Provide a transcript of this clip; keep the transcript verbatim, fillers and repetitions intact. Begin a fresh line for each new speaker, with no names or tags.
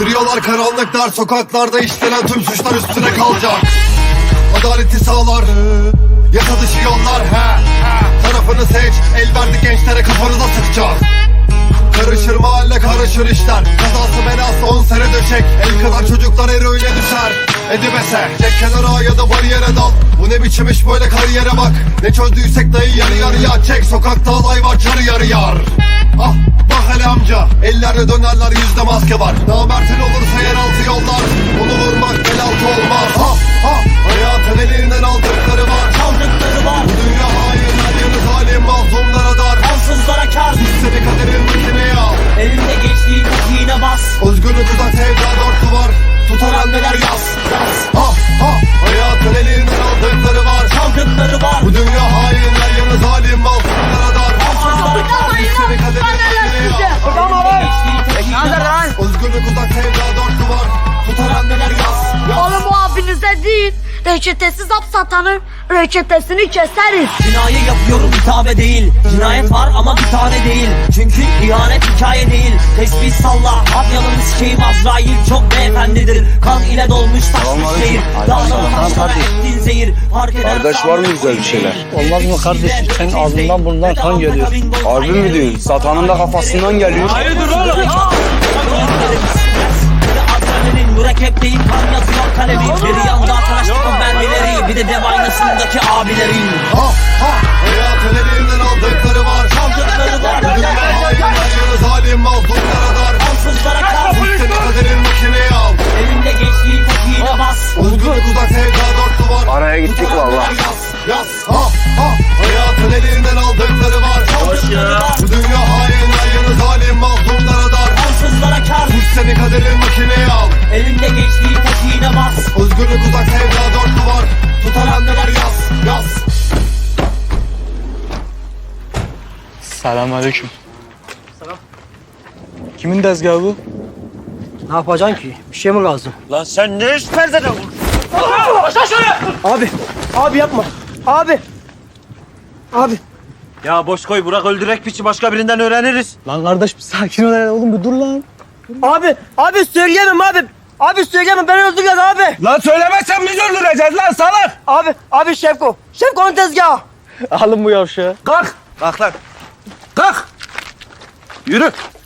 Yürüyorlar karanlıklar, sokaklarda işlenen tüm suçlar üstüne kalacak. Adaleti sağlar, yasa dışı yollar he, he. Tarafını seç, el verdik gençlere kafanıza sıkacak. Karışır mahalle, karışır işler. Kazası belası on sene döşek. El kadar çocuklar eroine düşer. Edibese, çek kenara ya da bariyere dal. Bu ne biçim iş böyle, kariyere bak. Ne çözdüysek dayı yarı yarıya çek. Sokakta alay var, çarı yarı yar. Ah bak hele amca, ellerle dönerler, yüzde maske var. Namertin olursa yeraltı yollar. Onu vurmak bel altı olmaz. Ha ha, hayatın elinden aldıkları var,
Çaldıkları var.
bu dünya hain, her yanı zalim, mazlumlara dar.
Ansızlara kar.
Seni kaderin makineye al.
Elinde geçtiği tekiğine bas.
Özgürlük uzak, sevda dört duvar. Tutar anneler yaz, yaz. Ha ha, hayatın elinden aldıkları var.
Çaldıkları var.
Bu dünya hain, her yanı zalim, mazlumlara dar.
Ansızlara kar.
Seni kaderin makineye al.
Elinde geçtiği tekiğine bas.
Özgürlük uzak, sevda dört duvar. Tutar anneler yaz, yaz.
Oğlum bu abinize değil, reçetesiz hap satanın reçetesini keseriz.
Cinayet yapıyorum hitabe değil. Cinayet var ama bir tane değil. Çünkü ihanet hikaye değil. Tesbih salla, at yanını sikeyim Azrail çok beyefendidir. Kan ile dolmuş taşmış şehir. Dağları taşlara ettin zehir. Fark eder
Kardeş, var mı güzel bir şeyler?
Olmaz mı kardeş? Senin ağzından bundan kan geliyor.
Harbi mi diyorsun? Satanın da kafasından geliyor.
Hayırdır oğlum? Adrenalin mürekkep değil, kan yazıyor kalemi. Bir yanda tıraşlıkın mermileri, bir de dev aynasındaki abilerin.
Ha ha, hayatın elinden aldıkları var.
Çaldıkları var.
Bu dünya hain, her yanı zalim, mazlumlara dar.
Ansızlara kar.
Seni kaderin makineye al.
Elinde geçtiği tekiğine bas.
Özgürlük uzak, sevda dört duvar.
Araya gittik
Tutar
valla.
anneler yaz, yaz. Ha ha, hayatın elinden aldıkları var.
Çaldıkları var.
Bu dünya hain, her yanı zalim, mazlumlara dar.
Ansızlara kar.
Seni kaderin makineye al.
Elinde geçtiği tekiğine bas.
Özgürlük uzak, sevda dört duvar. Tutar anneler yaz, yaz.
Selamünaleyküm. Kimin tezgahı bu?
Ne yapacaksın ki? Bir şey mi lazım?
Lan sen ne iş perdede vur?
Abi, abi yapma. Abi. Abi.
Ya boş koy, bırak öldürek piçi, başka birinden öğreniriz.
Lan kardeş bir sakin ol hele oğlum, bir dur lan.
Abi, abi söyleyemem abi. Abi söyleyemem, beni öldüreceğiz abi.
Lan söylemezsen biz öldüreceğiz lan salak.
Abi, abi Şevko. Şevko'nun tezgahı.
Alın bu yavşağı.
Kalk. Kalk lan. Kalk. Yürü.